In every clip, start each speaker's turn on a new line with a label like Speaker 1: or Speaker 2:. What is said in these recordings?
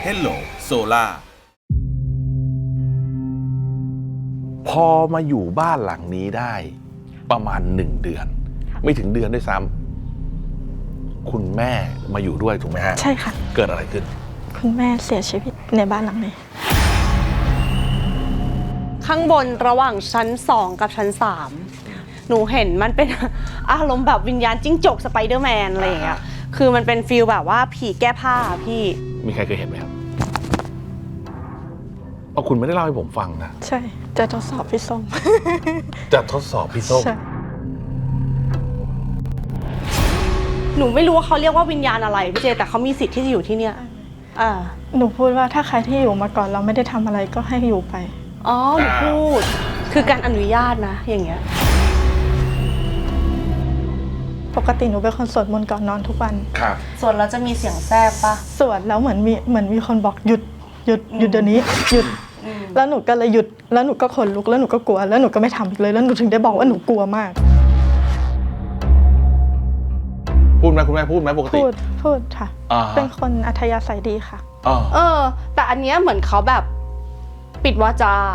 Speaker 1: Hello Solar
Speaker 2: พอมาอยู่บ้านหลังนี้ได้ประมาณ1 เดือน ไม่ถึงเดือนด้วยซ้ำคุณแม่มาอยู่ด้วยถูกไหมฮะ
Speaker 3: ใช่ค่ะ
Speaker 2: เกิดอะไรขึ้น
Speaker 3: คุณแม่เสียชีวิตในบ้านหลังนี้
Speaker 4: ข้างบนระหว่างชั้น2กับชั้น3หนูเห็นมันเป็น อารมณ์แบบวิญญาณจิ้งจกสไปเดอร์แมนอะไรอย่างเงี้ยคือมันเป็นฟีลแบบว่าผีแก้ผ้าพี่
Speaker 2: มีใครเคยเห็นไหมครับเอาคุณไม่ได้เล่าให้ผมฟังนะ
Speaker 3: ใช่จะทดสอบพี่ส้ม
Speaker 2: จะทดสอบพี่ส้ม
Speaker 3: ใช่
Speaker 4: หนูไม่รู้ว่าเขาเรียกว่าวิญญาณอะไรพี่เจแต่เขามีสิทธิ์ที่จะอยู่ที่เนี่ย
Speaker 3: หนูพูดว่าถ้าใครที่อยู่มาก่อนเราไม่ได้ทำอะไรก็ให้อยู่ไป
Speaker 4: อ๋อหนูพูดคือการอนุญาตนะอย่างเงี้ย
Speaker 3: ปกติหนูเป็นคนสวดมนต์ก่อนนอนทุกวัน
Speaker 2: ครับ
Speaker 4: ส่วนเราจะมีเสียงแทรกปะ
Speaker 3: สวดแล้วเหมือนมีคนบอกหยุดเดี๋ยวนี้หยุดแล้วหนูก็เลยหยุดแล้วหนูก็ขนลุกแล้วหนูก็กลัวแล้วหนูก็ไม่ทำอีกเลยแล้วหนูถึงได้บอกว่าหนูกลัวมาก
Speaker 2: พูดไหมคุณแม่พูดไหมปกติ
Speaker 3: พูดค่ะ เป็นคนอัธยาศัยดีค่ะ
Speaker 4: แต่อันเนี้ยเหมือนเขาแบบปิดวาจา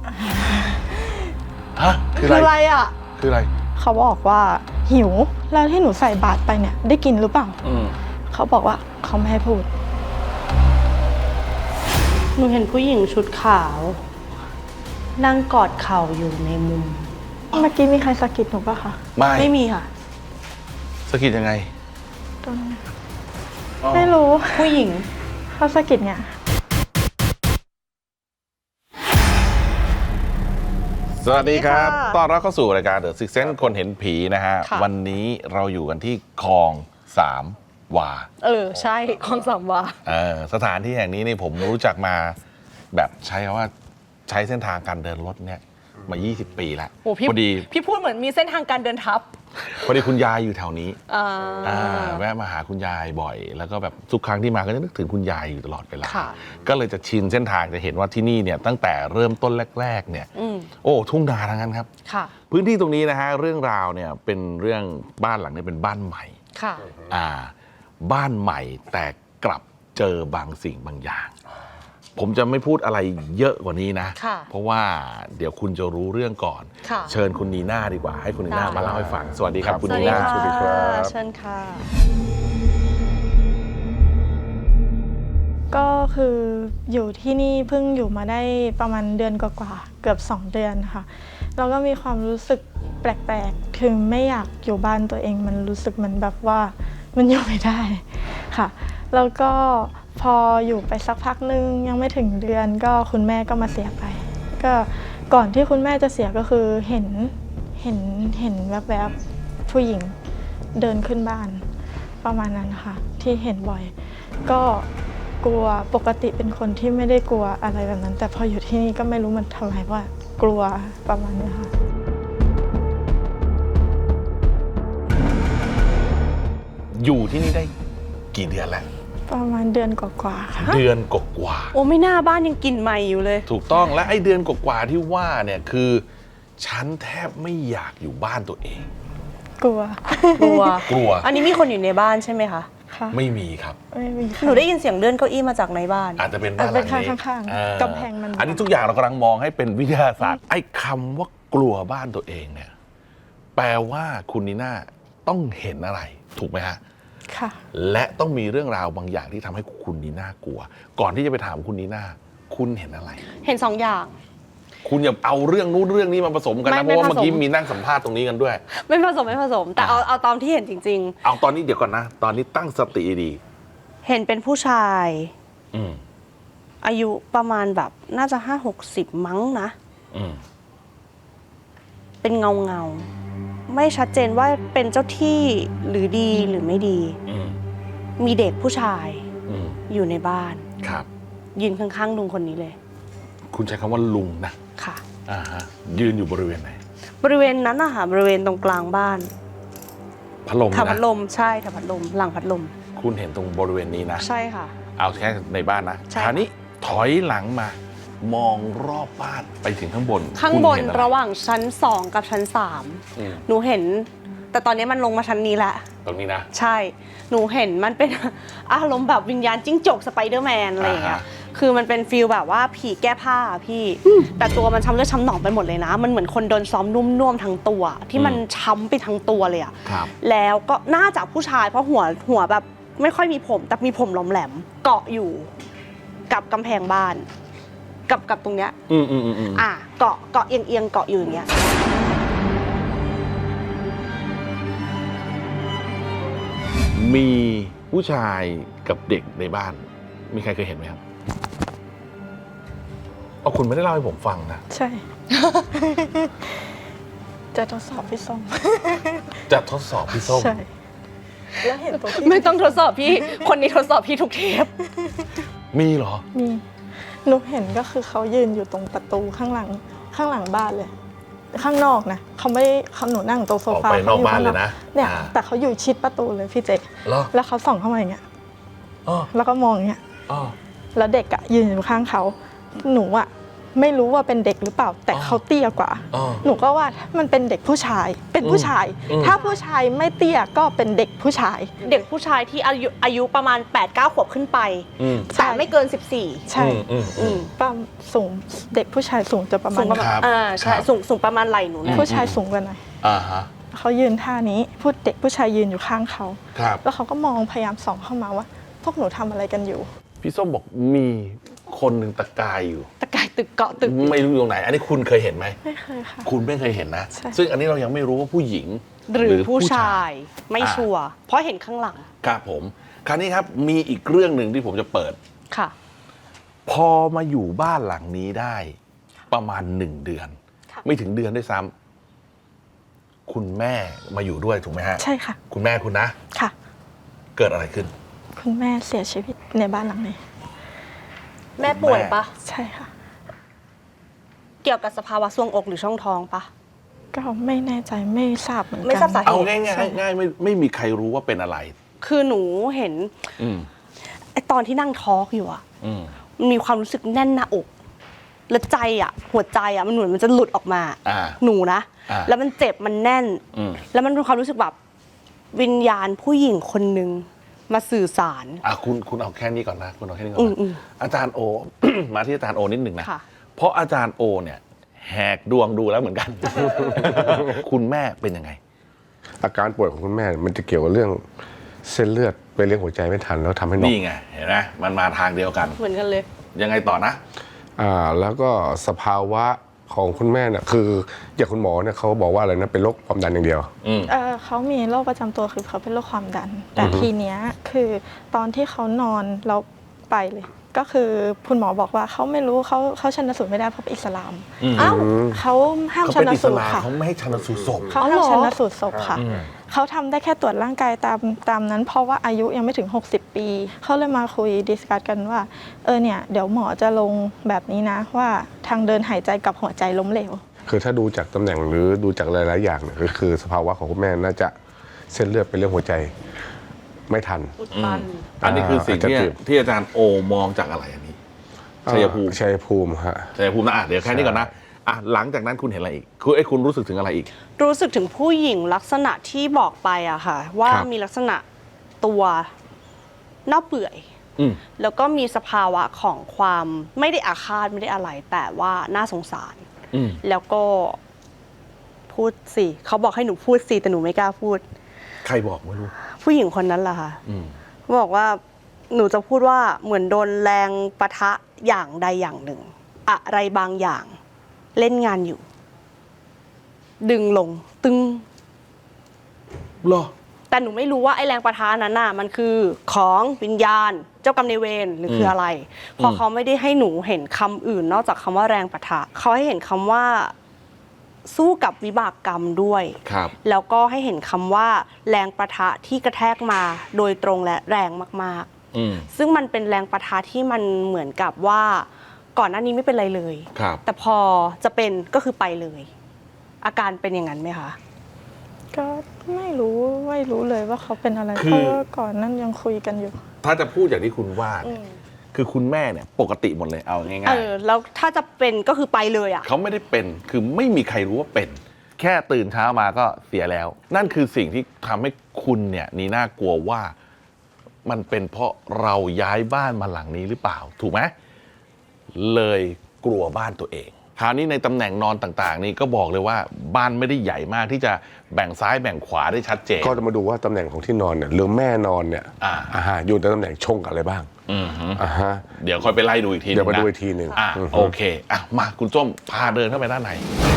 Speaker 2: ฮะคือ
Speaker 4: คือ
Speaker 2: อะ
Speaker 4: อะไร ไรอ่ะ
Speaker 2: คืออะไร
Speaker 3: เขาบอกว่าหิวแล้วที่หนูใส่บาตรไปเนี่ยได้กินหรือเปล่า เขาบอกว่าเขาไม่ให้พูด
Speaker 4: หนูเห็นผู้หญิงชุดขาว นั่งกอดเข่าอยู่ในมุม
Speaker 3: เมื่อกี้มีใครสะกิดหนูปะคะ
Speaker 4: ไม่มีค่ะ
Speaker 2: สะกิดยังไง
Speaker 3: ตรงนี้ไม่รู้
Speaker 4: ผู้หญิง
Speaker 3: เขาสะกิดเนี่ย
Speaker 2: สวัสดีครับ
Speaker 4: สวัสดีค่ะ
Speaker 2: ต้อนรับเข้าสู่รายการ The Six Sense คนเห็นผีนะฮะ
Speaker 4: ค่ะ
Speaker 2: วันนี้เราอยู่กันที่คลอง3 วา
Speaker 4: ใช่ของสามวา
Speaker 2: สถานที่แห่งนี้นี่ผมรู้จักมาแบบใช้คำว่าใช้เส้นทางการเดินรถเนี่ยมา 20 ปีแล้ว
Speaker 4: โอ้พี่
Speaker 2: พอดี
Speaker 4: พี่พูดเหมือนมีเส้นทางการเดินทับ
Speaker 2: พอดีคุณยายอยู่แถวนี้
Speaker 4: อ่า
Speaker 2: แวะมาหาคุณยายบ่อย แล้วก็แบบทุกครั้งที่มาก็จะนึกถึงคุณยายอยู่ตลอดเวลา
Speaker 4: ค่ะ
Speaker 2: ก็เลยจะชินเส้นทางจะเห็นว่าที่นี่เนี่ยตั้งแต่เริ่มต้นแรกๆเนี่ยโอ้ทุ่งนาทั้งนั้นครับ
Speaker 4: ค่ะ
Speaker 2: พื้นที่ตรงนี้นะฮะเรื่องราวเนี่ยเป็นเรื่องบ้านหลังนี้เป็นบ้านใหม่
Speaker 4: ค่ะ
Speaker 2: บ้านใหม่แต่กลับเจอบางสิ่งบางอย่าง ผมจะไม่พูดอะไรเยอะกว่านี้นะ
Speaker 4: ค่ะ
Speaker 2: เพราะว่าเดี๋ยวคุณจะรู้เรื่องก่อน
Speaker 4: ค่ะ
Speaker 2: เชิญคุณนีน่าดีกว่าให้คุณนีน่า
Speaker 4: ได้
Speaker 2: มาเล่าให้ฟังสวัสดีครับคุณ
Speaker 4: สวัส
Speaker 2: นี
Speaker 4: ดี
Speaker 2: น่า
Speaker 4: ค่ะ
Speaker 2: สวัสดีครับ
Speaker 4: เชิญค่ะ
Speaker 3: ก็คืออยู่ที่นี่เพิ่งอยู่มาได้ประมาณเดือนกว่าๆเกือบ2 เดือนค่ะแล้วก็มีความรู้สึกแปลกๆคือไม่อยากอยู่บ้านตัวเองมันรู้สึกมันแบบว่ามันอยู่ไม่ได้ค่ะแล้วก็พออยู่ไปสักพักนึงยังไม่ถึงเดือนก็คุณแม่ก็มาเสียไปก็ก่อนที่คุณแม่จะเสียก็คือเห็นแวบๆผู้หญิงเดินขึ้นบ้านประมาณนั้นค่ะที่เห็นบ่อยก็กลัวปกติเป็นคนที่ไม่ได้กลัวอะไรแบบนั้น แต่พออยู่ที่นี่ก็ไม่รู้มันทำไมว่ากลัวประมาณนี้ค่ะ
Speaker 2: อยู่ที่นี่ได้กี่เดือนแล้ว
Speaker 3: ประมาณเดือนกว่าๆค่ะ
Speaker 2: เดือนกว่า
Speaker 4: โอ้ไม่น่าบ้านยังกลิ่นใหม่อยู่เลย
Speaker 2: ๆถูกต้องและไอ้เดือนกว่าๆที่ว่าเนี่ยคือฉันแทบไม่อยากอยู่บ้านตัวเอง
Speaker 3: กลัว
Speaker 4: กลัว
Speaker 2: กลัว
Speaker 4: อันนี้มีคนอยู่ในบ้านใช่ไหมคะ
Speaker 3: ค่ะ
Speaker 2: ไม่มีครับ
Speaker 3: ไม่มีค่ะ
Speaker 4: หนูได้ยินเสียงเลื่อนเก้าอี้มาจากในบ้าน
Speaker 2: อาจจะเป็นบ้านหลังนี้
Speaker 3: เป็นข้างๆ
Speaker 2: อ่
Speaker 3: กำแพงมัน
Speaker 2: อันนี้ทุกอย่างเรากำลังมองให้เป็นวิทยาศาสตร์ไอ้คำว่ากลัวบ้านตัวเองเนี่ยแปลว่าคุณนีน่าต้องเห็นอะไรถูกไหมฮะ
Speaker 3: ค่ะ
Speaker 2: และต้องมีเรื่องราวบางอย่างที่ทำให้คุณนีน่ากลัว ก่อนที่จะไปถามคุณนีน่าคุณเห็นอะไร
Speaker 4: เห็น2 อย่าง
Speaker 2: คุณอย่าเอาเรื่องนู้นเรื่องนี้มาผสมกันนะเพ
Speaker 4: ไม่
Speaker 2: ราะว่า
Speaker 4: ผสม
Speaker 2: เมื่อกี้มีนั่งสัมภาษณ์ตรงนี้กันด้วย
Speaker 4: ไม่ผสมแต่เอาตามที่เห็นจริง
Speaker 2: เอาตอนนี้เดี๋ยวก่อนนะ ตอนนี้ตั้งสติดี
Speaker 4: ๆ เห็นเป็นผู้ชาย
Speaker 2: อืม
Speaker 4: อายุประมาณแบบน่าจะ50-60 มั้งนะ
Speaker 2: อืม
Speaker 4: เป็นเงาไม่ชัดเจนว่าเป็นเจ้าที่หรือดีหรือไม่ดี
Speaker 2: อืม
Speaker 4: มีเด็กผู้ชาย
Speaker 2: อืม
Speaker 4: อยู่ในบ้าน
Speaker 2: ครับ
Speaker 4: ยืนข้างๆลุงคนนี้เลย
Speaker 2: คุณใช้คำว่าลุงนะ
Speaker 4: ค่ะ
Speaker 2: ยืนอยู่บริเวณไหน
Speaker 4: บริเวณนั้นนะคะบริเวณตรงกลางบ้าน
Speaker 2: พัดลม
Speaker 4: ถังพั
Speaker 2: นะ
Speaker 4: ดลมใช่ถังพัดลมหลังพัดลม
Speaker 2: คุณเห็นตรงบริเวณนี้นะ
Speaker 4: ใช่ค่ะ
Speaker 2: เอาแค่ในบ้านนะ
Speaker 4: ใช่
Speaker 2: คราวนี้ถอยหลังมา มองรอบบ้านไปถึงข้างบน
Speaker 4: ข้างบน
Speaker 2: คุณเห็อไ
Speaker 4: ระหว่างชั้น2กับชั้น
Speaker 2: อืม
Speaker 4: 3หนูเห็น แต่ตอนนี้มันลงมาชั้นนี้แล้ว
Speaker 2: ตรงนี้นะ
Speaker 4: ใช่ หนูเห็นมันเป็น อารมณ์แบบวิญญาณจิ้งจกสไปเดอร์แมนอะไรอย่างเงี้ย คือมันเป็นฟีลแบบว่าผีแก้ผ้าพี่ แต่ตัวมันช้ำเลือดช้ำหนองไปหมดเลยนะ มันเหมือนคนโดนซ้อมนุ่มๆทั้งตัว ที่มันช้ำไปทั้งตัวเลยอะ
Speaker 2: ครับ
Speaker 4: แล้วก็น่าจะผู้ชายเพราะหัวแบบไม่ค่อยมีผมแต่มีผมหลอมแหลมเกาะอยู่กับกำแพงบ้าน กับตรงเนี้ยเกาะเอียงเกาะอยู่อย่างเงี้ย
Speaker 2: มีผู้ชายกับเด็กในบ้าน มีใครเคยเห็นไหมครับเอาคุณไม่ได้เล่าให้ผมฟังนะ
Speaker 3: ใช่ จะทดสอบพี่ส้ม
Speaker 2: จะทดสอบพี่ส้ม
Speaker 3: ใช่ แล้วเห็นตัวพี่
Speaker 4: ไม่ต้องทดสอบพี่ คนนี้ทดสอบพี่ทุกเทป
Speaker 2: มีเหรอ
Speaker 3: มีหนูเห็นก็คือเขายืนอยู่ตรงประตูข้างหลังบ้านเลย ข้างนอกนะเขาไม่เขาหนูนั่งตรงโซฟา
Speaker 2: ออกไปนอกบ้านเลยนะ
Speaker 3: เนี่ย
Speaker 2: อ่า
Speaker 3: แต่เขาอยู่ชิดประตูเลยพี่เจ
Speaker 2: เหรอ
Speaker 3: แล้วเขาส่องเข้ามาอย่างเงี้ย
Speaker 2: อ๋อ
Speaker 3: แล้วก็มองอย่างเงี้ย
Speaker 2: อ๋อ
Speaker 3: แล้วเด็กอะยืนอยู่ข้างเขาหนูอะไม่รู้ว่าเป็นเด็กหรือเปล่า แต่
Speaker 2: อ๋อ
Speaker 3: เขาเตี้ยกว่า
Speaker 2: อ๋อ
Speaker 3: หนูก็ว่ามันเป็นเด็กผู้ชายเป็นผู้ชาย
Speaker 2: อืม
Speaker 3: ถ้าผู้ชายไม่เตี้ยก็เป็นเด็กผู้ชาย
Speaker 4: เด็กผู้ชายที่อายุประมาณ 8-9 ขวบขึ้นไป
Speaker 2: อืม
Speaker 4: แต่ไม่เกิน 14
Speaker 3: ใช่ ป้าสูงเด็กผู้ชายสูงจะประมา
Speaker 4: สู
Speaker 3: ณ
Speaker 4: งประมาณ
Speaker 2: ครับ
Speaker 4: ใช่
Speaker 2: ครับ
Speaker 4: สูงประมาณไหล่หนูเนี่ย
Speaker 3: ผู้ชายสูงกว่าหน่อย
Speaker 2: อ่าฮะ
Speaker 3: เขายืนท่านี้เด็กผู้ชายยืนอยู่ข้างเขา
Speaker 2: ครับ
Speaker 3: แล้วเขาก็มองพยายามส่องเข้ามาว่า พวกหนูทำอะไรกันอยู่
Speaker 2: พี่ส้มบอกมีคนหนึ่งตะกายอยู่
Speaker 4: ตะกายตึกเกาะตึก
Speaker 2: ไม่รู้อยู่ตรงไหน อันนี้คุณเคยเห็นไหม
Speaker 3: ไม่เคยค่ะ
Speaker 2: คุณไม่เคยเห็นนะ
Speaker 3: ใช่
Speaker 2: ซึ่งอันนี้เรายังไม่รู้ว่าผู้หญิง
Speaker 4: หรือผู้ชายไม่
Speaker 2: อ่า
Speaker 4: ชัวร์เพราะเห็นข้างหลัง
Speaker 2: ครับผม คราวนี้ครับมีอีกเรื่องหนึ่งที่ผมจะเปิด
Speaker 4: ค่ะ
Speaker 2: พอมาอยู่บ้านหลังนี้ได้ ประมาณ1 เดือน
Speaker 3: ค่ะ
Speaker 2: ไม่ถึงเดือนด้วยซ้ำคุณแม่มาอยู่ด้วยถูกไหมฮะ
Speaker 3: ใช่ค่ะ
Speaker 2: คุณแม่คุณนะ
Speaker 3: ค่ะ
Speaker 2: เกิดอะไรขึ้น
Speaker 3: คุณแม่เสียชีวิตในบ้านหลังนี้
Speaker 4: แม่ป่วยปะ
Speaker 3: ใช่ค่ะ
Speaker 4: เกี่ยวกับสภาวะทรวงอกหรือช่องท้องปะ
Speaker 3: ก็ไม่แน่ใจไม่ทราบเหมือนกัน
Speaker 4: ไม่ทราบสาเหตุ
Speaker 2: เอาง่ายๆง่ายๆไม่มีใครรู้ว่าเป็นอะไร
Speaker 4: คือหนูเห็น
Speaker 2: อืม
Speaker 4: ไอตอนที่นั่งทอล์กอยู่อะ
Speaker 2: อืม
Speaker 4: มันมีความรู้สึกแน่นหน้าอก แล้วใจอะหัวใจอะมันเหมือนมันจะหลุดออกมา
Speaker 2: อ่า
Speaker 4: หนูนะ
Speaker 2: อ่า
Speaker 4: แล้วมันเจ็บมันแน่น
Speaker 2: อืม
Speaker 4: แล้วมันเป็นความรู้สึกแบบวิญญาณผู้หญิงคนหนึ่งมาสื่อสาร
Speaker 2: คุณเอาแค่นี้ก่อนนะ คุณเอาแค่นี้ก่อน
Speaker 4: อื
Speaker 2: นะ
Speaker 4: ม
Speaker 2: อาจารย์โอ มาที่อาจารย์โอนิดหนึ่งนะ
Speaker 4: ค่ะ
Speaker 2: เพราะอาจารย์โอเนี่ยแหกดวงดูแล้วเหมือนกัน คุณแม่เป็นยังไง
Speaker 1: อาการป่วยของคุณแม่มันจะเกี่ยวกับเรื่องเส้นเลือดไปเลี้ยงหัวใจไม่ทันแล้วทำให้น็อก
Speaker 2: นี่ไง เห็นไหมมันมาทางเดียวกัน
Speaker 4: เหมือนกันเลย
Speaker 2: ยังไงต่อนะ
Speaker 1: แล้วก็สภาวะของคุณแม่เนี่ยคืออย่างคุณหมอเนี่ยเขาบอกว่าอะไรนะเป็นโรคความดันอย่างเดียว
Speaker 2: อืม
Speaker 3: เขามีโรคประจำตัวคือเขาเป็นโรคความดัน แต่ทีเนี้ยคือตอนที่เขานอนเราไปเลย ก็คือคุณหมอบอกว่าเขาไม่รู้เขาชันสูตรไม่ได้เพราะเป็นอิสลาม
Speaker 2: อืม
Speaker 4: เอ้า
Speaker 3: เขาห้าม
Speaker 2: เขา
Speaker 3: ชั
Speaker 2: เป็น
Speaker 3: น
Speaker 2: อิส
Speaker 3: สูตร
Speaker 2: ลาม
Speaker 3: ค่ะ
Speaker 2: เขาไม่ให้ชันสูตรศพ
Speaker 3: เขา
Speaker 4: อ๋อ
Speaker 3: ห้าม
Speaker 4: เหรอ
Speaker 3: ชันสูตรศพค่ะ
Speaker 2: อืม
Speaker 3: เขาทำได้แค่ตรวจร่างกายตามนั้น เพราะว่าอายุยังไม่ถึง 60 ปี เขาเลยมาคุยดิสคัสกันว่าเนี่ยเดี๋ยวหมอจะลงแบบนี้นะว่าทางเดินหายใจกับหัวใจล้มเหลว
Speaker 1: คือถ้าดูจากตำแหน่งหรือดูจากหลายๆอย่างเนี่ยคือสภาวะของคุณแม่น่าจะเส้นเลือดไปเลี้ยงหัวใจไม่ทัน
Speaker 4: อุดตัน
Speaker 2: อันนี้คือสิ่งที่
Speaker 1: อาจจะ
Speaker 2: ที่อาจารย์โอมองจากอะไรอันนี้ ชัยภูมิ
Speaker 1: ชัยภูมิฮะ
Speaker 2: ชัยภูมินะเดี๋ยวแค่นี้ก่อนนะหลังจากนั้นคุณเห็นอะไรอีกคุณรู้สึกถึงอะไรอีก
Speaker 4: รู้สึกถึงผู้หญิงลักษณะที่บอกไปอะค่ะ ว่า
Speaker 1: ครับ
Speaker 4: มีลักษณะตัวเน่าเปื่อย
Speaker 2: อืม
Speaker 4: แล้วก็มีสภาวะของความไม่ได้อาฆาตไม่ได้อะไร แต่ว่าน่าสงสาร
Speaker 2: อืม
Speaker 4: แล้วก็พูดสิเขาบอกให้หนูพูดสิแต่หนูไม่กล้าพูด
Speaker 2: ใครบอกไม่รู้
Speaker 4: ผู้หญิงคนนั้นล่ะค่ะ
Speaker 2: อืม
Speaker 4: บอกว่าหนูจะพูดว่าเหมือนโดนแรงปะทะอย่างใดอย่างหนึ่ง อะไรบางอย่าง เล่นงานอยู่ ดึงลงตึง
Speaker 2: เหรอ
Speaker 4: แต่หนูไม่รู้ว่าไอ้แรงปะทะนั้นน่ะมันคือของวิญญาณ เจ้ากรรมนายเวรหรือคืออะไรเพราะเขาไม่ได้ให้หนูเห็นคำอื่น นอกจากคำว่าแรงปะทะเขาให้เห็นคำว่าสู้กับวิบากกรรมด้วย
Speaker 2: ครับ
Speaker 4: แล้วก็ให้เห็นคำว่าแรงปะทะที่กระแทกมาโดยตรงและแรงมาก
Speaker 2: อืม
Speaker 4: ๆ ซึ่งมันเป็นแรงปะทะที่มันเหมือนกับว่าก่อนหน้านี้ไม่เป็นไรเลย
Speaker 2: ครับ
Speaker 4: แต่พอจะเป็นก็คือไปเลย อาการเป็นอย่างนั้นไหมคะ
Speaker 3: ก็ไม่รู้เลยว่าเขาเป็นอะไร
Speaker 2: คือ
Speaker 3: เพราะว่าก่อนนั้นยังคุยกันอยู่
Speaker 2: ถ้าจะพูดอย่างที่คุณว่าเนี่ยคือคุณแม่เนี่ยปกติหมดเลยเอาง่าย
Speaker 4: แล้วถ้าจะเป็นก็คือไปเลยอ่ะ
Speaker 2: ๆเขาไม่ได้เป็นคือไม่มีใครรู้ว่าเป็นแค่ตื่นเช้ามาก็เสียแล้ว นั่นคือสิ่งที่ทำให้คุณเนี่ยนีน่ากลัวว่ามันเป็นเพราะเราย้ายบ้านมาหลังนี้หรือเปล่า ถูกไหมเลยกลัวบ้านตัวเองคราวนี้ในตำแหน่งนอนต่างๆ นี่ก็บอกเลยว่าบ้านไม่ได้ใหญ่มากที่จะแบ่งซ้ายแบ่งขวาได้ชัดเจน
Speaker 1: ก็จะมาดูว่าตำแหน่งของที่นอนเนี่ยหรือแม่นอนเนี่ย อยู่ในตำแหน่งชงกับอะไรบ้าง ฮะ
Speaker 2: เดี๋ยวค่อยไปไล่ดูอีกทีนึง
Speaker 1: เดี๋ยวมา
Speaker 2: นะ
Speaker 1: ดูอีกทีหนึ่ง
Speaker 2: โอเคมาคุณส้มพาเดินเข้าไปด้านใน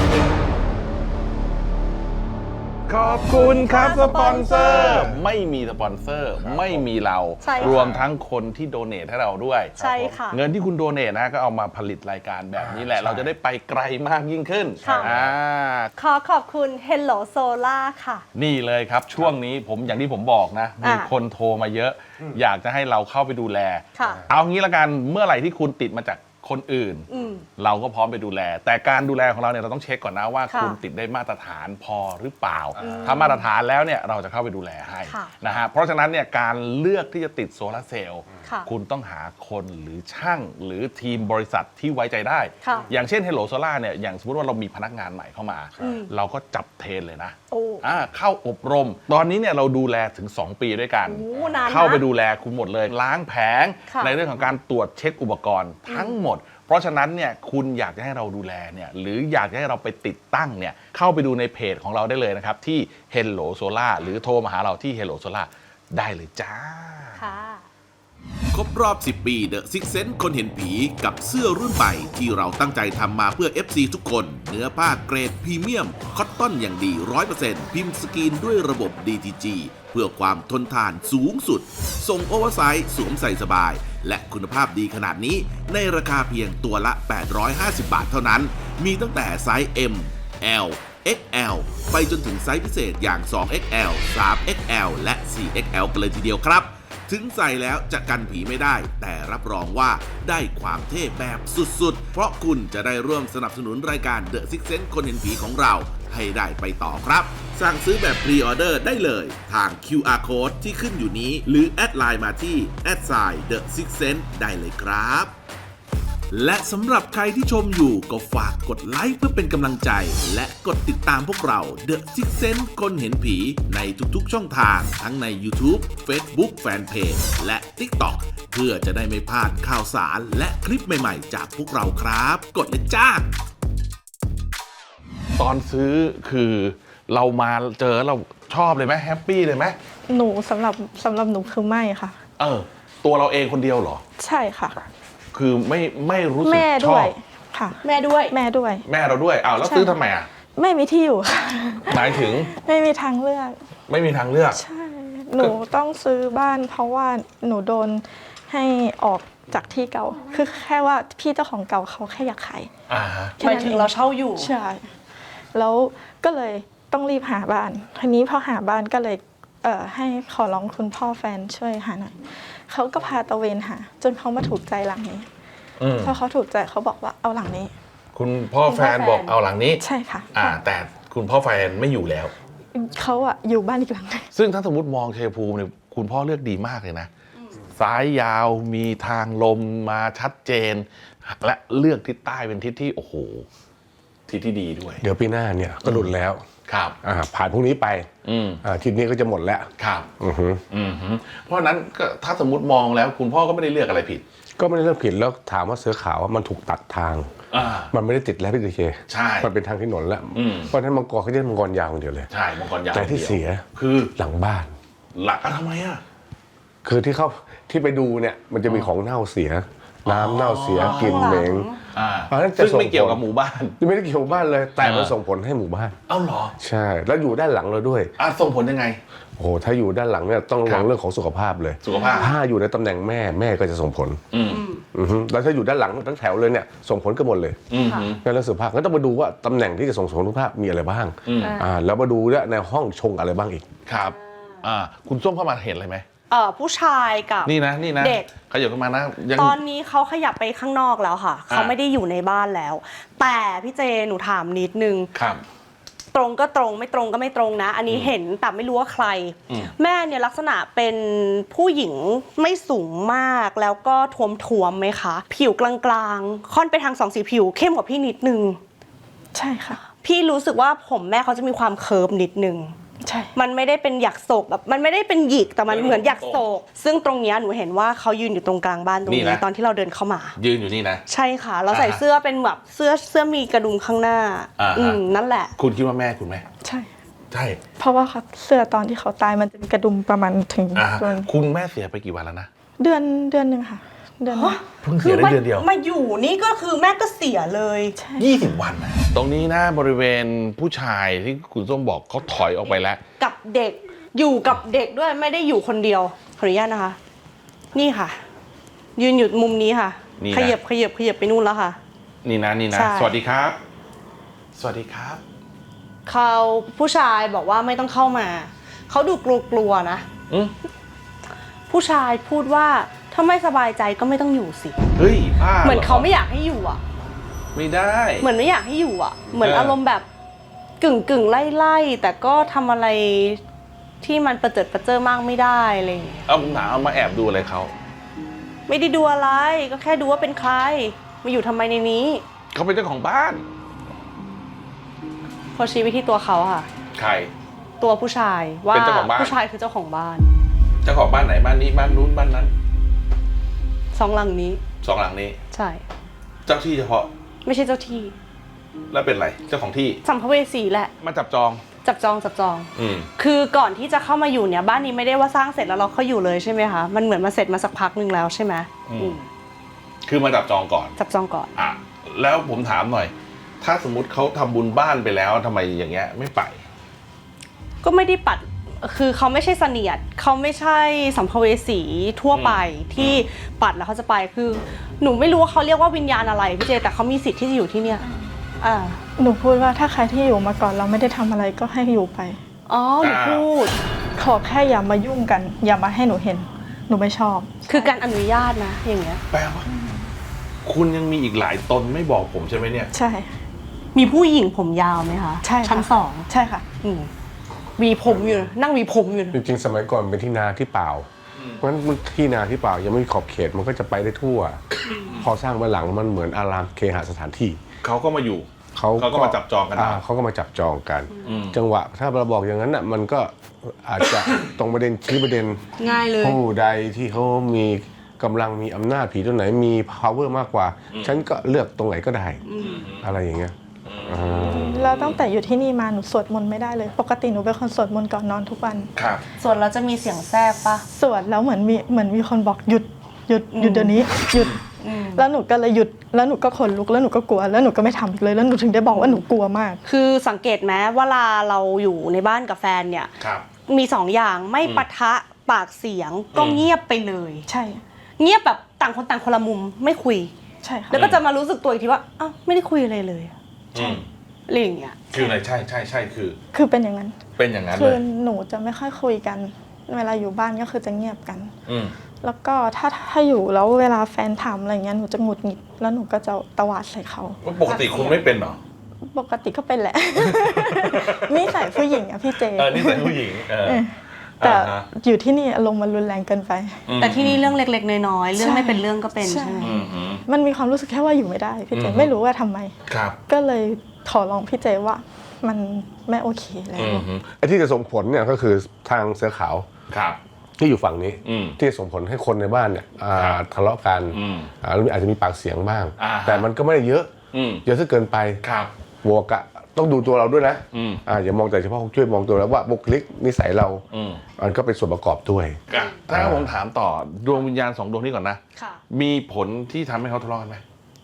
Speaker 2: ขอบคุณครับสปอนเซอร์ไม่มีสปอนเซอร์ไม่มีเรา
Speaker 4: ใช่ค่ะ
Speaker 2: รวมทั้งคนที่โดเนทให้เราด้วย
Speaker 4: ใช่ค่ะ
Speaker 2: เงินที่คุณโดเนทนะก็เอามาผลิตรายการแบบนี้แหละ เราจะได้ไปไกลมากยิ่งขึ้น
Speaker 4: ค่ะ ขอขอบคุณ Hello Solar ค่ะ
Speaker 2: นี่เลยครับช่วงนี้ผมอย่างที่ผมบอกนะมีคนโทรมาเยอะ อยากจะให้เราเข้าไปดูแล
Speaker 4: ค่ะ
Speaker 2: เอางี้ละกันเมื่อไหร่ที่คุณติดมาจากคนอื่น เราก็พร้อมไปดูแล แต่การดูแลของเราเนี่ยเราต้องเช็คก่อนนะว่า
Speaker 4: ค่ะ
Speaker 2: คุณติดได้มาตรฐานพอหรือเปล่า ถ้ามาตรฐานแล้วเนี่ยเราจะเข้าไปดูแลให้
Speaker 4: ค่ะ
Speaker 2: นะฮะเพราะฉะนั้นเนี่ยการเลือกที่จะติดโซลาร์เซลล์
Speaker 4: ค่ะ
Speaker 2: คุณต้องหาคนหรือช่างหรือทีมบริษัทที่ไว้ใจได้
Speaker 4: ค่ะ
Speaker 2: อย่างเช่น Hello Solar เนี่ยอย่างสมมติว่าเรามีพนักงานใหม่เข้ามา เราก็จับเทรนเลยนะ
Speaker 4: โอ้
Speaker 2: เข้าอบรม ตอนนี้เนี่ยเราดูแลถึง 2 ปีด้วยกัน
Speaker 4: โอ้นานนะ
Speaker 2: เข้าไปดูแลคุณหมดเลย ล้างแผง
Speaker 4: ค่ะ
Speaker 2: ในเรื่องของการตรวจเช็คอุปกรณ์ทั้งหมด เพราะฉะนั้นเนี่ยคุณอยากจะให้เราดูแลเนี่ยหรืออยากจะให้เราไปติดตั้งเนี่ยเข้าไปดูในเพจของเราได้เลยนะครับ ที่ Hello Solar หรือโทรมาหาเราที่ Hello Solar ได้เลยจ้า
Speaker 4: ค่ะ
Speaker 5: ครบรอบ 10 ปี The Six Sense คนเห็นผีกับเสื้อรุ่นใหม่ที่เราตั้งใจทำมาเพื่อ FC ทุกคน เนื้อผ้าเกรดพรีเมียม คอตตอนอย่างดี 100% พิมพ์สกรีนด้วยระบบ DTG เพื่อความทนทานสูงสุด ส่งโอเวอร์ไซส์สวมใส่สบาย และคุณภาพดีขนาดนี้ในราคาเพียงตัวละ 850 บาทเท่านั้น มีตั้งแต่ไซส์ M L XL ไปจนถึงไซส์พิเศษอย่าง 2XL 3XL และ 4XL กันเลยทีเดียวครับ ถึงใส่แล้วจะกันผีไม่ได้ แต่รับรองว่าได้ความเท่แบบสุดๆ เพราะคุณจะได้ร่วมสนับสนุนรายการ The Six Sense คนเห็นผีของเราให้ได้ไปต่อครับ สั่งซื้อแบบพรีออเดอร์ได้เลยทาง QR Code ที่ขึ้นอยู่นี้ หรือแอดไลน์มาที่ @The Six Sense ได้เลยครับ และสำหรับใครที่ชมอยู่ก็ฝากกดไลค์เพื่อเป็นกำลังใจ และกดติดตามพวกเรา The Six Sense คนเห็นผีในทุกๆช่องทางทั้งใน YouTube Facebook Fanpage และ TikTok เพื่อจะได้ไม่พลาดข่าวสารและคลิปใหม่ๆจากพวกเราครับ กดเลยจ้า
Speaker 2: ตอนซื้อคือเรามาเจอเราชอบเลยไหมแฮปปี้เลยไหม
Speaker 3: หนูสำหรับหนูคือไม่ค่ะ
Speaker 2: ตัวเราเองคนเดียวเหรอ
Speaker 3: ใช่ค่ะ
Speaker 2: คือไม่รู้สึก
Speaker 3: แม่
Speaker 2: ช
Speaker 3: ด้
Speaker 2: อ
Speaker 3: วย
Speaker 2: บ
Speaker 3: ค่ะ
Speaker 4: แม่ด้วย
Speaker 3: แม่ด้วย
Speaker 2: แม่เราด้วยแล้ว
Speaker 3: ใช่
Speaker 2: ซื้อทำไมอ่ะ
Speaker 3: ไม่มีที่อยู่ค่ะ
Speaker 2: หมายถึง
Speaker 3: ไม่มีทางเลือก
Speaker 2: ไม่มีทางเลือก
Speaker 3: ใช่ หนูต้องซื้อบ้านเพราะว่าหนูโดนให้ออกจากที่เก่า คือแค่ว่าพี่เจ้าของเก่าเขาแค่อยากขาย
Speaker 4: หมายถึงเราเช่าอยู่
Speaker 3: ใช่ แล้วก็เลยต้องรีบหาบ้าน ทีนี้พอหาบ้านก็เลยให้ขอร้องคุณพ่อแฟนช่วยหาหน่อย เขาก็พาตะเวนหา จนเขามาถูกใจหลังนี้ พอเขาถูกใจเขาบอกว่าเอาหลังนี้
Speaker 2: คุณพ่อแฟนบอกเอาหลังนี้
Speaker 3: ใช่ค่ะ
Speaker 2: แต่คุณพ่อแฟนไม่อยู่แล้ว
Speaker 3: เขาอะอยู่บ้านอีกหลังหนึง
Speaker 2: ซึ่งถ้าสมมติมองชัยภูมิเนี่ยคุณพ่อเลือกดีมากเลยนะซ้ายยาวมีทางลมมาชัดเจน และเลือกทิศใต้เป็นทิศที่โอ้โหทิศที่ดีด้วย
Speaker 1: เดี๋ยวปีหน้าเนี่ยก็หลุดแล้ว
Speaker 2: ครับ
Speaker 1: ผ่านพรุ่งนี้ไปทีนี้ก็จะหมดแล้ว
Speaker 2: ครับ เพราะฉะนั้นก็ถ้าสมมติมองแล้วคุณพ่อก็ไม่ได้เลือกอะไรผิด
Speaker 1: ก็ไม่ได้เลือกผิดแล้วถามว่าเสือขาวมันถูกตัดทาง มันไม่ได้ติดแล้วพี่ดีเค
Speaker 2: ใช่
Speaker 1: มันเป็นทางที่หนนแล้ว เพราะฉะนั้นมังกรเขาจะมังกรยาวคนเดียวเลย
Speaker 2: ใช่มังกรยาว
Speaker 1: แต่ที่เสีย
Speaker 2: คือ
Speaker 1: หลังบ้าน
Speaker 2: หลักทำไมอ่ะ
Speaker 1: คือที่ไปดูเนี่ยมันจะมีของเน่าเสีย น้ำเน่าเสียกลิ่นเหม็ง เพราะฉะนั้นจะ
Speaker 2: ซึ่งไม่เกี่ยวกับหมู่บ้าน
Speaker 1: ไม่ได้เกี่ยวกับบ้านเลย แต่มันส่งผลให้หมู่บ้าน
Speaker 2: เอ้าเหรอ
Speaker 1: ใช่ แล้วอยู่ด้านหลังเราด้วย
Speaker 2: ส่งผลยังไง
Speaker 1: โอ้โหถ้าอยู่ด้านหลังเนี่ยต้องระวังเรื่องของสุขภาพเลย
Speaker 2: สุขภาพ
Speaker 1: ถ้าอยู่ในตำแหน่งแม่ก็จะส่งผลแล้วถ้าอยู่ด้านหลังทั้งแถวเลยเนี่ยส่งผลกันหมดเลยในเรื่องสุขภาพก็ต้องมาดูว่าตำแหน่งที่จะส่งผลสุขภาพมีอะไรบ้างแล้วมาดูด้วยในห้องชงอะไรบ้างอีก
Speaker 2: ครับคุณส้มเข้ามาเห็นอะไรไหม
Speaker 4: ผู้ชายกับ
Speaker 2: นี่นะเด็กขยับขึ้นมานะยัง
Speaker 4: ตอนนี้เขาขยับไปข้างนอกแล้วค่ะ เขาไม่ได้อยู่ในบ้านแล้ว แต่พี่เจหนูถามนิดนึง
Speaker 2: ครับ
Speaker 4: ตรงก็ตรงไม่ตรงก็ไม่ตรงนะ อันนี้เห็นแต่ไม่รู้ว่าใคร แม่เนี่ยลักษณะเป็นผู้หญิงไม่สูงมากแล้วก็ท้วมๆไหมคะ ผิวกลางๆค่อนไปทางสองสีผิวเข้มกว่าพี่นิดนึง
Speaker 3: ใช่ค่ะ
Speaker 4: พี่รู้สึกว่าผมแม่เขาจะมีความเคิร์ฟนิดนึง
Speaker 3: ใช่
Speaker 4: มันไม่ได้เป็นหยักโศกแบบมันไม่ได้เป็นหยิกแต่มันเหมือนหยักโศกซึ่งตรงเนี้ยหนูเห็นว่าเขายืนอยู่ตรงกลางบ้านตรง
Speaker 2: นี่
Speaker 4: นี้
Speaker 2: นะ
Speaker 4: ตอนที่เราเดินเข้ามา
Speaker 2: ยืนอยู่นี่นะ
Speaker 4: ใช่ค่ะเราใส่เสื้อเป็นแบบเสื้อมีกระดุมข้างหน้า นั่นแหละ
Speaker 2: คุณคิดว่าแม่คุณไหม
Speaker 3: ใช่
Speaker 2: ใช่
Speaker 3: เพราะว่าเขาเสื้อตอนที่เขาตายมันจะมีกระดุมประมาณถึง
Speaker 2: คุณแม่เสียไปกี่วันแล้วนะ
Speaker 3: เดือนหนึ่งค่ะเดือนหนึ่ง
Speaker 2: เพิ่งเสียได้เดือนเดียว
Speaker 4: มาอยู่นี่ก็คือแม่ก็เสียเลย
Speaker 3: ใช่
Speaker 2: 20 วันนะตรงนี้นะบริเวณผู้ชายที่คุณส้มบอกเขาถอยออกไปแล้ว
Speaker 4: กับเด็กอยู่กับเด็กด้วยไม่ได้อยู่คนเดียวขออนุญาตนะคะ นี่ค่ะ ยืนอยู่มุมนี้ค่ะ
Speaker 2: นี่นะ
Speaker 4: ขยับไปนู่นแล้วค่ะ
Speaker 2: นี่นะนี่นะ
Speaker 4: ใช่
Speaker 2: สวัสดีครับ สวัสดีครับ
Speaker 4: เขาผู้ชายบอกว่าไม่ต้องเข้ามาเขาดูกลัวๆนะ
Speaker 2: อืม
Speaker 4: ผู้ชายพูดว่าถ้าไม่สบายใจก็ไม่ต้องอยู่สิ
Speaker 2: เฮ้ยบ้า
Speaker 4: เหมือนเขาไม่อยากให้อยู่อ่ะ
Speaker 2: ไม่ได้
Speaker 4: เหมือนไม่อยากให้อยู่อ่ะ เหมือนอารมณ์แบบกึ่งไล่แต่ก็ทำอะไรที่มันประเจิดประเจ้อมากไม่ได้อะไรอย่างเงี้ย
Speaker 2: เอาผมถามเอามาแอบดูอะไรเขา
Speaker 4: ไม่ได้ดูอะไรก็แค่ดูว่าเป็นใครมาอยู่ทำไมในนี้
Speaker 2: เขาเป็นเจ้าของบ้าน
Speaker 4: พอชี้ไปที่ตัวเขาค่ะ
Speaker 2: ใคร
Speaker 4: ตัวผู้ชายว่า
Speaker 2: เป็นเจ้าของบ้าน
Speaker 4: ผู้ชายคือเจ้าของบ้าน
Speaker 2: เจ้าของบ้านไหนบ้านนี้บ้านนู้นบ้านนั้น
Speaker 4: สองหลังนี้
Speaker 2: สองหลังนี้
Speaker 4: ใช่
Speaker 2: เจ้าที่เฉพาะ
Speaker 4: ไม่ใช่เจ้าที่
Speaker 2: แล้วเป็นอะไรเจ้าของที่
Speaker 4: สัมภเวสีแหละ
Speaker 2: มาจับจอง
Speaker 4: จับจอง
Speaker 2: อืม
Speaker 4: คือก่อนที่จะเข้ามาอยู่เนี่ยบ้านนี้ไม่ได้ว่าสร้างเสร็จแล้วเราเข้าอยู่เลยใช่ไหมคะมันเหมือนมาเสร็จมาสักพักหนึ่งแล้วใช่ไหมอืม
Speaker 2: คือมาจับจองก่อน
Speaker 4: จับจองก่อน
Speaker 2: อ่ะแล้วผมถามหน่อย ถ้าสมมุติเขาทำบุญบ้านไปแล้วทำไมอย่างเงี้ยไม่ไป
Speaker 4: ก็ไม่ได้ปัดคือเขาไม่ใช่เสนียดเขาไม่ใช่สัมภเวสีทั่วไปที่ปัดแล้วเขาจะไปคือหนูไม่รู้ว่าเขาเรียกว่าวิญญาณอะไรพี่เจแต่เขามีสิทธิ์ที่จะอยู่ที่เนี่ยอ่า
Speaker 3: หนูพูดว่าถ้าใครที่อยู่มาก่อนเราไม่ได้ทำอะไรก็ให้อยู่ไป
Speaker 4: อ๋อหนูพูด
Speaker 3: ขอแค่อย่ามายุ่งกัน อย่ามาให้หนูเห็น หนูไม่ชอบ
Speaker 4: คือการอนุญาตนะอย่างเงี้ย
Speaker 2: แปลว่าคุณยังมีอีกหลายตนไม่บอกผมใช่ไหมเนี่ย
Speaker 3: ใช่
Speaker 4: มีผู้หญิงผมยาวไหมคะ
Speaker 3: ใช่ค่ะ
Speaker 4: ชั้นสอง
Speaker 3: ใช่ค่ะ
Speaker 4: หวีผมอยู่นะนั่งหวีผมอยู่นะ
Speaker 1: จริงๆ สมัยก่อนเป็นที่นาที่เปล่า เพราะฉะนั้นที่นาที่เปล่ายังไม่มีขอบเขตมันก็จะไปได้ทั่ว พอสร้างมาหลังมันเหมือนอารามเคหสถานที่
Speaker 2: เขาก็มาอยู่ เขาก็มาจับจองกันเอา
Speaker 1: เขาก็มาจับจองกัน จังหวะถ้าเราบอกอย่างนั้นน่ะมันก็อาจจะ ตรงประเด็นชี้ประเด็น
Speaker 4: ง่ายเลย
Speaker 1: ผู้ใดที่เขามีกำลังมีอำนาจผีตัวไหนมี power มากกว่า ฉันก็เลือกตรงไหนก็ได้ อะไรอย่างเงี้ย
Speaker 3: แล้วตั้งแต่อยู่ที่นี่มาหนูสวดมนต์ไม่ได้เลย ปกติหนูเป็นคนสวดมนต์ก่อนนอนทุกวัน
Speaker 2: ครับ
Speaker 4: ส่วนเราจะมีเสียงแทรกปะ
Speaker 3: สวดแล้วเหมือนมีคนบอกหยุดเดี๋ยวนี้หยุดแล้วหนูก็เลยหยุดแล้วหนูก็ขนลุกแล้วหนูก็กลัวแล้วหนูก็ไม่ทำอีกเลยแล้วหนูถึงได้บอกว่าหนูกลัวมาก
Speaker 4: คือสังเกตไหมเวลาเราอยู่ในบ้านกับแฟนเนี่ย
Speaker 2: ครับ
Speaker 4: มีสองอย่างไม่ปะทะปากเสียงก็เงียบไปเลย
Speaker 3: ใช่
Speaker 4: เงียบแบบต่างคนต่างคนละมุมไม่คุย
Speaker 3: ใช่ค่ะ
Speaker 4: แล้วก็จะมารู้สึกตัวอีกทีว่าอ้าวไม่ได้คุยอะไรเลย
Speaker 2: อืม
Speaker 4: อะไรอย่างเงี้ย
Speaker 2: คืออะไรใช่ใช่ใช่คือ
Speaker 3: คือเป็นอย่างนั้น
Speaker 2: เป็นอย่างนั้น
Speaker 3: คื
Speaker 2: เล
Speaker 3: อย หนูจะไม่ค่อยคุยกัน เวลาอยู่บ้านก็คือจะเงียบกัน
Speaker 2: อืม
Speaker 3: แล้วก็ถ้าอยู่แล้วเวลาแฟนถามอะไรเงี้ยหนูจะหงุดหงิดแล้วหนูก็จะตวาดใส่เขา
Speaker 2: ปกติคุณไม่เป็นเหรอ
Speaker 3: ปกติก็เป็นแหละ นี่ใส่ผู้หญิงอะพี่เจ
Speaker 2: นี่เป็นผู้หญิง
Speaker 3: แต่
Speaker 2: อ่าฮะ
Speaker 3: อยู่ที่นี่อารมณ์มันรุนแรงเกินไป
Speaker 4: แต่ที่นี่เรื่องเล็กๆน้อยๆเรื่องไม่เป็นเรื่องก็เป็น
Speaker 3: ใช่
Speaker 4: ใช่ไหม
Speaker 3: มันมีความรู้สึกแค่ว่าอยู่ไม่ได้พี่เจไม่รู้ว่าทำไม
Speaker 2: ครับ
Speaker 3: ก็เลยขอร้องพี่เจว่ามันไม่โอเคแล้ว
Speaker 1: ไอ้ที่จะส่งผลเนี่ยก็คือทางเสือขาว
Speaker 2: ครับ
Speaker 1: ที่อยู่ฝั่งนี้
Speaker 2: อืม
Speaker 1: ที่จะส่งผลให้คนในบ้านเนี่ยทะเลาะกัน แล้วอาจจะมีปากเสียงบ้าง แต่มันก็ไม่ได้เยอะ เยอะซะเกินไป
Speaker 2: ครับ
Speaker 1: บวกอะต้องดูตัวเราด้วยนะ อย่ามองแต่เฉพาะช่วยมองตัวแล้วว่าบุคลิกนิสัยเรามันก็เป็นส่วนประกอบด้วย
Speaker 2: ถ้าผมถามต่อดวงวิญญาณ2ดวงนี้ก่อนนะ
Speaker 4: ค่ะ
Speaker 2: มีผลที่ทำให้เขาทะเลาะกันไหม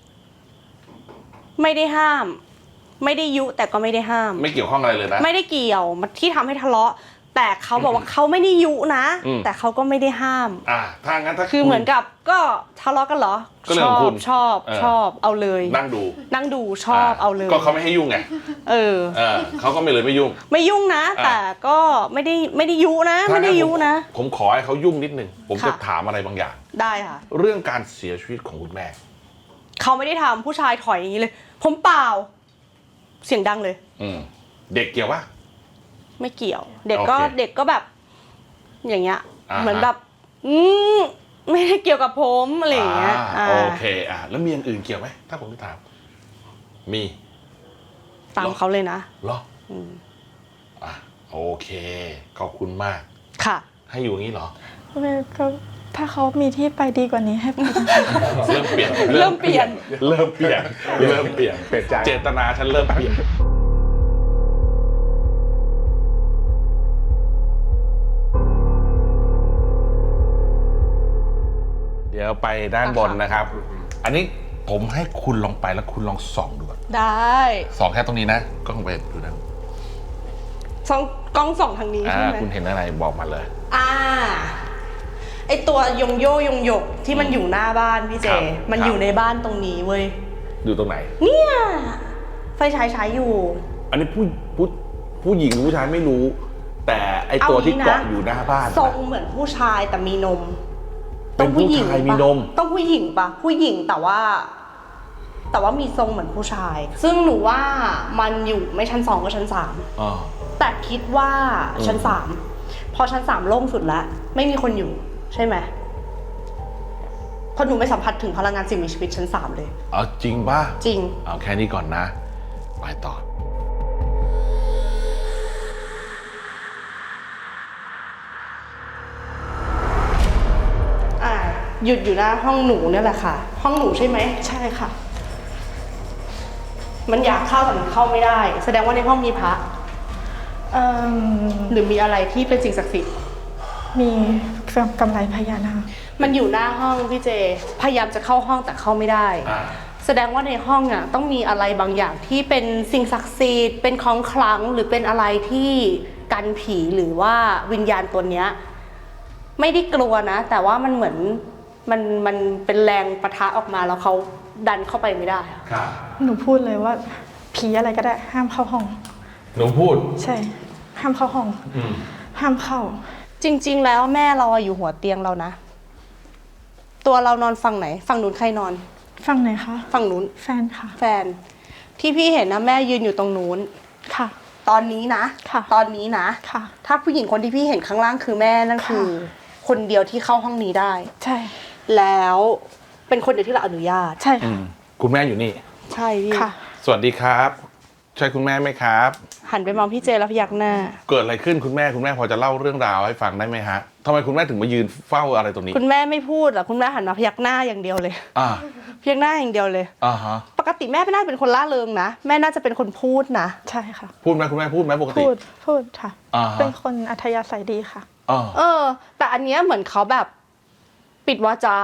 Speaker 4: ไม่ได้ห้าม ไม่ได้ยุแต่ก็ไม่ได้ห้าม
Speaker 2: ไม่เกี่ยวข้องอะไรเลยนะ
Speaker 4: ไม่ได้เกี่ยวที่ทำให้ทะเลาะ แต่เขาบอกว่าเขาไม่ได้ยุนะ แต่เขาก็ไม่ได้ห้าม
Speaker 2: ถ้างั้นถ้า
Speaker 4: คือเหมือนกับก็ทะเลาะกันเหรอ
Speaker 2: ก็เรื่องของคุณ
Speaker 4: ชอบเอาเลย
Speaker 2: นั่งดู
Speaker 4: นั่งดูชอบเอาเลย
Speaker 2: ก็เขาไม่ให้ยุ่งไง เขาก็ไม่เลยไม่ยุ่ง
Speaker 4: ไม่ยุ่งนะ แต่ก็ไม่ได้ยุนะ ไม่ได้ยุนะ
Speaker 2: ผมขอให้เขายุ่งนิดนึงผมจะ
Speaker 4: ค่ะ
Speaker 2: ถามอะไรบางอย่าง
Speaker 4: ได้ค่ะ
Speaker 2: เรื่องการเสียชีวิตของคุณแม่
Speaker 4: เขาไม่ได้ทำผู้ชายถอยอย่างนี้เลย ผมเปล่า เสียงดังเลย
Speaker 2: เด็กเกี่ยวปะ
Speaker 4: ไม่เกี่ยว เด็กก็
Speaker 2: โอเค
Speaker 4: เด็กก็แบบ อย่างเงี้ย
Speaker 2: อ่าฮะ
Speaker 4: เหมือนแบบไม่ได้เกี่ยวกับผมอะไรอย่างเงี้ย
Speaker 2: โอเคแล้วมีอย่างอื่นเกี่ยวไหมถ้าผมจะถามมี
Speaker 4: ตามเขาเลยนะ
Speaker 2: เหรออ่ะโอเคขอบคุณมาก
Speaker 4: ค่ะ
Speaker 2: ให้อยู่อย่างนี้เหรอ
Speaker 3: ก็ถ้าเขามีที่ไปดีกว่านี้ให้ไป
Speaker 2: เริ่มเปลี่ยน
Speaker 4: เริ่มเปลี่ยน
Speaker 2: เริ่มเปลี่ยนเริ่มเปลี่ยน
Speaker 1: เปลี่ยนใจ
Speaker 2: เจตนาฉันเริ่มเปลี่ยนเดี๋ยวไปด้านบนนะครับ อันนี้ผมให้คุณลองไปแล้วคุณลองส่องดูก่อน
Speaker 4: ได้
Speaker 2: ส่องแค่ตรงนี้นะก็ลองไปดูนะ
Speaker 4: ส่องกล้องส่องทางนี้ใช่ไหม
Speaker 2: คุณเห็นอะไรบอกมาเลย
Speaker 4: ไอตัวยงโยยงหยกที่มันอยู่หน้าบ้านพี่เจ
Speaker 2: ครับ
Speaker 4: มัน
Speaker 2: ครับ
Speaker 4: อยู่ในบ้านตรงนี้เว้ย
Speaker 2: อยู่ตรงไหน
Speaker 4: เนี่ยไฟฉายใช้อยู่
Speaker 2: อันนี้ผู้หญิงหรือผู้ชายไม่รู้ แต่ไอตัวที่เกาะอยู่หน้าบ้าน
Speaker 4: ทรงเหมือนผู้ชายแต่มีนม
Speaker 2: เป็นผู้ชายมีนม
Speaker 4: ต้องผู้หญิงปะผู้หญิงแต่ว่ามีทรงเหมือนผู้ชาย ซึ่งหนูว่ามันอยู่ไม่ชั้น 2ก็ชั้น
Speaker 2: อ๋อ
Speaker 4: 3แต่คิดว่าชั้น 3พอชั้น 3โล่งสุดแล้วไม่มีคนอยู่ใช่ไหมเพราะหนูไม่สัมผัสถึงพลังงานสิ่งมีชีวิตชั้น 3เลย
Speaker 2: เอาจริงป่ะ
Speaker 4: จริง
Speaker 2: เอาแค่นี้ก่อนนะ ไปต่อ
Speaker 4: หยุดอยู่หน้าห้องหนูเนี่ยแหละค่ะ ห้องหนูใช่ไหม
Speaker 3: ใช่ค่ะ
Speaker 4: มันอยากเข้าแต่มันเข้าไม่ได้ แสดงว่าในห้องมีพระ หรือมีอะไรที่เป็นสิ่งศักดิ์สิทธิ์
Speaker 3: มีกำไรพญานาค
Speaker 4: มันอยู่หน้าห้องพี่เจ พยายามจะเข้าห้องแต่เข้าไม่ได้ แสดงว่าในห้องอ่ะต้องมีอะไรบางอย่างที่เป็นสิ่งศักดิ์สิทธิ์เป็นของขลังหรือเป็นอะไรที่กันผีหรือว่าวิญญาณตัวเนี้ยไม่ได้กลัวนะ แต่ว่ามันเหมือนมันเป็นแรงปะทะออกมาแล้วเขาดันเข้าไปไม่ได้อะ
Speaker 2: ครับ
Speaker 3: หนูพูดเลยว่าผีอะไรก็ได้ห้ามเข้าห้อง
Speaker 2: หนูพูด
Speaker 3: ใช่ ห้ามเข้าห้อง ห้ามเข้า
Speaker 4: จริง ๆ แล้วแม่เราอะอยู่หัวเตียงเรานะ ตัวเรานอนฝั่งไหนฝั่งนู้นใครนอน
Speaker 3: ฟังไหนอยคะ
Speaker 4: ฝั่งนู้น
Speaker 3: แฟนค่ะ
Speaker 4: แฟนที่พี่เห็นนะแม่ยืนอยู่ตรงนู้น
Speaker 3: ค่ะ
Speaker 4: ตอนนี้นะ
Speaker 3: ค่ะ
Speaker 4: ตอนนี้นะ
Speaker 3: ค่ะ
Speaker 4: ถ้าผู้หญิงคนที่พี่เห็นข้างล่างคือแม่นั่นคือ คนเดียวที่เข้าห้องนี้ได้
Speaker 3: ใช่
Speaker 4: แล้วเป็นคนเดียวที่เราอนุญาต
Speaker 3: ใช่ค่ะ
Speaker 2: คุณแม่อยู่นี่
Speaker 4: ใช่พี่
Speaker 3: ค่ะ
Speaker 2: สวัสดีครับ ใช่คุณแม่ไหมครับ
Speaker 4: หันไปมองพี่เจแล้วพยักหน้า
Speaker 2: เกิดอะไรขึ้นคุณแม่พอจะเล่าเรื่องราวให้ฟังได้ไหมฮะทำไมคุณแม่ถึงมายืนเฝ้าอะไรตรงนี้
Speaker 4: คุณแม่ไม่พูดหรอกคุณแม่หันมาพยักหน้าอย่างเดียวเลย
Speaker 2: อ่า
Speaker 4: พยักหน้าอย่างเดียวเลย
Speaker 2: อ่าฮะ
Speaker 4: ปกติแม่ไม่น่าเป็นคนล่าเริงนะแม่น่าจะเป็นคนพูดนะ
Speaker 3: ใช่ค่ะ
Speaker 2: พูดไหมคุณแม่พูดไหมปกติ
Speaker 3: พูดค่ะ
Speaker 2: อ่าฮะ
Speaker 3: เป็นคนอัธยาศัยดีค่ะ
Speaker 2: อ่า
Speaker 4: แต่อันเนี้ยเหมือนเขาแบบปิดวาจา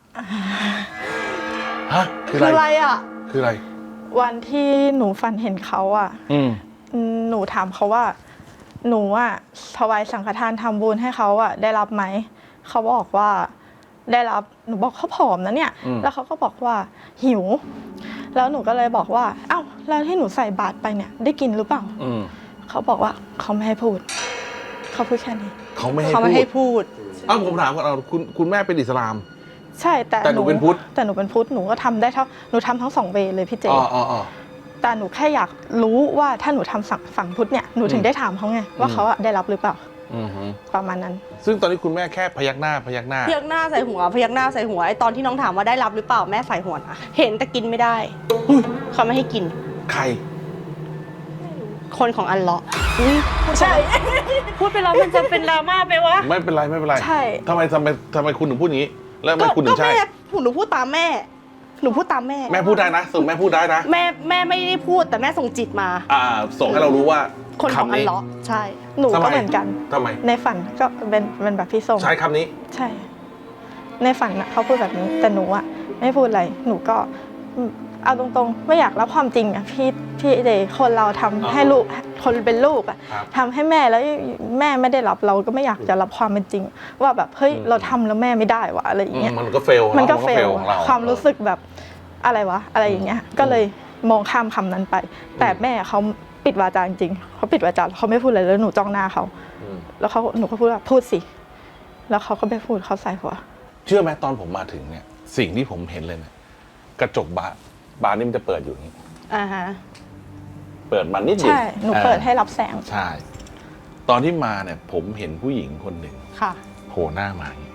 Speaker 2: ฮะคือ
Speaker 4: คือ
Speaker 2: อะ
Speaker 4: อะไร ไรอ่ะ
Speaker 2: คืออะไร
Speaker 3: วันที่หนูฝันเห็นเขาอ่ะ
Speaker 2: อืม
Speaker 3: หนูถามเขาว่า หนูอ่ะถวายสังฆทานทำบุญให้เขาอ่ะ ได้รับไหม เขาบอกว่าได้รับ หนูบอกเขาผอมนะเนี่ย แล้วเขาก็บอกว่าหิว แล้วหนูก็เลยบอกว่า เอ้า แล้วที่หนูใส่บาตรไปเนี่ย ได้กินหรือเปล่า
Speaker 2: อืม
Speaker 3: เขาบอกว่าเขาไม่ให้พูด เขาพูดแค่นี้
Speaker 2: เขาไม่ให้
Speaker 4: เขาไม่ให้พูด
Speaker 2: อ้าวผมถามก่อนเอาคุณแม่เป็นอิสลาม
Speaker 3: ใช่ แต่
Speaker 2: แต่หนูเป็นพุทธ
Speaker 3: แต่หนูเป็นพุทธ หนูก็ทำได้หนูทำทั้งสองเวย์เลยพี่เจ
Speaker 2: อ๋อ
Speaker 3: แต่หนูแค่อยากรู้ว่าถ้าหนูทำฝั่งพุทธเนี่ย หนูถึงได้ถามเขาไงว่าเขาอะได้รับหรือเปล่า
Speaker 2: อือฮึ
Speaker 3: ประมาณนั้น
Speaker 2: ซึ่งตอนนี้คุณแม่แค่พยักหน้า
Speaker 4: พยักหน้าใส่หัวพยักหน้าใส่หัวไอตอนที่น้องถามว่าได้รับหรือเปล่าแม่ใส่หัวนะเห็นแต่กินไม่ได้เขาไม่ให้กิน
Speaker 2: ใคร
Speaker 4: คนของอัลเลาะห์ใช่ พูดไปแล้วมันจะเป็นดราม่าไปวะ
Speaker 2: ไม่เป็นไรไม่เป็นไร
Speaker 3: ใช่
Speaker 2: ทำไมคุณถึงพูดอย่างนี้ แล้วทำไมคุณถึงใช่
Speaker 4: แม่หนูพูดตามแม่ หนูพูดตามแม่
Speaker 2: แม่พูดได้นะส่งแม่พูดได้นะ
Speaker 4: แม่ไม่ได้พูดแต่แม่ส่งจิตมา
Speaker 2: ส่งให้เรารู้ว่า
Speaker 4: คนของ
Speaker 2: คำ
Speaker 4: อัล
Speaker 2: นี้
Speaker 4: เลาะห์ใช่
Speaker 3: หนู
Speaker 2: ทำไม
Speaker 3: ก็เหมือนกัน
Speaker 2: ทำไม
Speaker 3: ในฝันก็เป็นแบบพี่ส่ง
Speaker 2: ใช้คำนี้
Speaker 3: ใช่ ในฝันน่ะเขาพูดแบบนี้ แต่หนูอะไม่พูดอะไร หนูก็เอาตรงๆ ไม่อยากรับความจริงอะพี่เดย์คนเราทำให้ลูกคนเป็นลูกอะ
Speaker 2: ครับ
Speaker 3: ทำให้แม่แล้วแม่ไม่ได้รับเราก็ไม่อยากจะรับความเป็นจริง ว่าแบบเฮ้ยเราทำแล้วแม่ไม่ได้วะอะไรอย่างเงี้ย
Speaker 2: มันก็เฟล
Speaker 3: มันก็เฟล
Speaker 2: ของเรา
Speaker 3: ความรู้สึกแบบอะไรวะอะไรอย่างเงี้ย ก็เลยมองข้ามคำนั้นไป แต่แม่เขาปิดวาจาจริงๆเขาปิดวาจาเขาไม่พูดอะไรแล้วหนูจ้องหน้าเขาแล้วหนูก็พูดว่าพูดสิแล้วเขาก็ไม่พูดเขาใส่หัว
Speaker 2: เชื่อไหมตอนผมมาถึงเนี่ย สิ่งที่ผมเห็นเลยเนี่ยกระจกบานนี่มันจะเปิดอยู่อย่างนี้
Speaker 4: อ่าฮะ
Speaker 2: เปิดมานิดเดียว
Speaker 3: ใช่หนูเปิดให้รับแสง
Speaker 2: ใช่ ตอนที่มาเนี่ย ผมเห็นผู้หญิงคนหนึ่ง
Speaker 4: ค่ะ
Speaker 2: โผล่หน้ามาอย่างนี้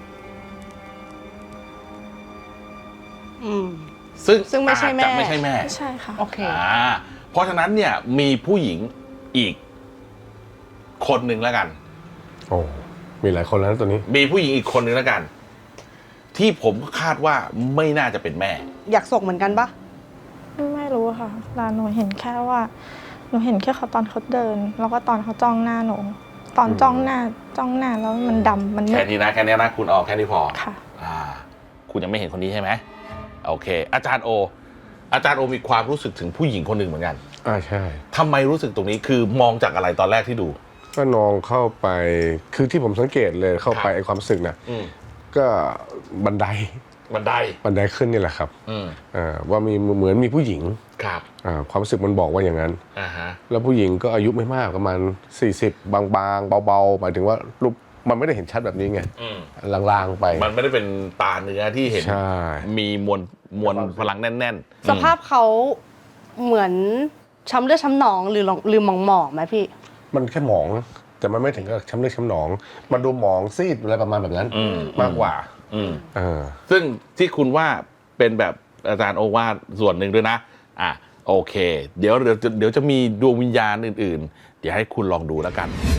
Speaker 4: อืม
Speaker 2: ซึ่ง
Speaker 4: ไม่ใช่แม่
Speaker 2: อาจจะไม่ใช่แม่
Speaker 3: ใช่ค่ะ
Speaker 4: โอเค
Speaker 2: อ่าเพราะฉะนั้นเนี่ยมีผู้หญิงอีกคนหนึ่งแล้วกัน
Speaker 1: โอ้มีหลายคนแล้วนะตัวนี้
Speaker 2: มีผู้หญิงอีกคนหนึ่งแล้วกัน ที่ผมคาดว่าไม่น่าจะเป็นแม่
Speaker 4: อยากส่งเหมือนกันปะ
Speaker 3: ไม่รู้ค่ะแต่หนูเห็นแค่ว่าหนูเห็นแค่เขาตอนเขาเดิน แล้วก็ตอนเขาจ้องหน้าหนูตอนจ้องหน้าแล้วมันดำมันมื
Speaker 2: แค่
Speaker 3: ด
Speaker 2: นี้นะแค่นี้นะคุณออกแค่นี้พอ
Speaker 3: ค่ะ
Speaker 2: คุณยังไม่เห็นคนนี้ใช่ไหมโอเค อาจารย์โอมีความรู้สึกถึงผู้หญิงคนหนึ่งเหมือนกัน
Speaker 1: ใช่
Speaker 2: ทำไมรู้สึกตรงนี้คือมองจากอะไรตอนแรกที่ดู
Speaker 1: ก็น้องเข้าไปคือที่ผมสังเกตเลยเข้าไป
Speaker 2: ครับ
Speaker 1: ไอ้ความรู้สึกนะ
Speaker 2: อืม
Speaker 1: ก็บันได
Speaker 2: บันได
Speaker 1: ขึ้นนี่แหละครับ
Speaker 2: อืม
Speaker 1: ว่ามีเหมือนมีผู้หญิง
Speaker 2: ครับ
Speaker 1: ความรู้สึกมันบอกว่าอย่างนั้น
Speaker 2: อ่าฮะ
Speaker 1: แล้วผู้หญิงก็อายุไม่มากประมาณ40บางๆเบาๆหมายถึงว่ารูปมันไม่ได้เห็นชัดแบบนี้ไง
Speaker 2: อืม
Speaker 1: ลางๆไป
Speaker 2: มันไม่ได้เป็นตาเนื้อที่เห็น
Speaker 1: ใช่
Speaker 2: มีมวลพลังแน่นๆ
Speaker 4: สภาพเขาเหมือนช้ำเลือดช้ำหนองหรือหมองๆไหมพี่
Speaker 1: มันแค่หมองแต่มันไม่ถึงกับช้ำเลือดช้ำหนอง มันดูหมองซีดอะไรประมาณแบบนั้น มากกว่า
Speaker 2: อืม
Speaker 1: เออ
Speaker 2: ซึ่งที่คุณว่าเป็นแบบอาจารย์โอวาทส่วนหนึ่งด้วยนะโอเค เดี๋ยวจะมีดวงวิญญาณอื่นๆ เดี๋ยวให้คุณลองดูแล้วกัน